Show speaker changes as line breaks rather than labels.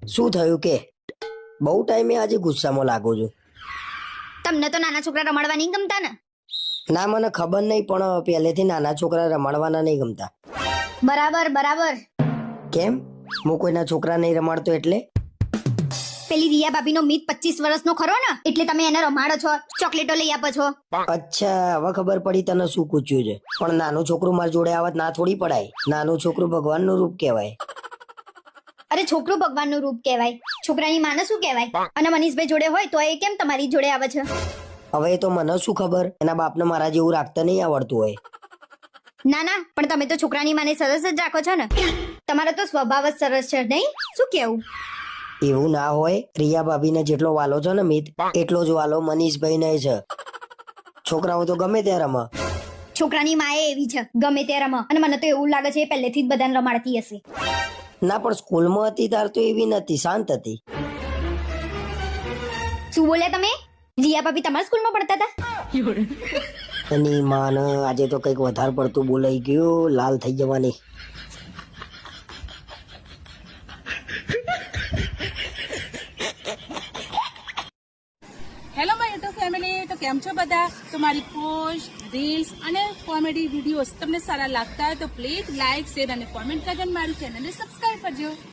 શું થયું કે બહુ ટાઈમે આજે ગુસ્સામાં લાગો છો?
તમને તો નાના છોકરા રમાડવા નહીં ગમતા ને?
ના, મને ખબર નહીં, પણ પહેલેથી નાના છોકરા રમાડવાના નહીં ગમતા.
બરાબર બરાબર.
કેમ? હું કોઈના છોકરા નહીં રમાડતો એટલે?
પેલી રિયા ભાભીનો મિત 25 વર્ષનો ખરો ને, એટલે તમે એને રમાડો છો, ચોકલેટો લઈ આપો છો.
અચ્છા, હવે ખબર પડી તને શું પૂછ્યું છે. પણ નાનું છોકરું મારી જોડે આવત ના થોડી પડાય. નાનું છોકરું ભગવાનનું રૂપ કહેવાય.
અરે છોકરું ભગવાનનું રૂપ કહેવાય, છોકરાની માને શું કહેવાય? અને મનીષભાઈ જોડે હોય તો એ કેમ તમારી જોડે આવે છે?
હવે એ તો મને શું ખબર, એના બાપને મારા જેવું રાખતા નહીં આવડતું હોય.
ના ના, પણ તમે તો છોકરાની માને સરસ જ રાખો છો ને. તમારો તો સ્વભાવ જ સરસ છે નહીં? શું કેવું?
એવું ના હોય. રિયા ભાભીને જેટલો વાલો છે ને મિત, એટલો જ વાલો મનીષભાઈ ને છે. છોકરાઓ તો ગમે ત્યાં રમે.
છોકરાની માએ એવી છે, ગમે તે રમે. અને મને તો એવું લાગે છે એ પહેલેથી જ બધાને રમાડતી હશે.
ના, પણ સ્કૂલમાં હતી તાર તો એવી નથી, શાંત હતી.
શું બોલ્યા તમે? રિયા ભાભી તમારા સ્કૂલમાં ભણતા હતા?
એની માને આજે તો કંઈક વધારે પડતું બોલાઈ ગયું, લાલ થઈ જવાની.
હેલો માય યુટ્યુબ ફેમિલી, તો કેમ છો બધા? તો મારી પોસ્ટ, રીલ્સ અને કોમેડી વિડીયોઝ તમને સારા લાગતા હોય તો પ્લીઝ લાઇક, શેર અને કોમેન્ટ કરીને મારી ચેનલને સબસ્ક્રાઇબ કરજો.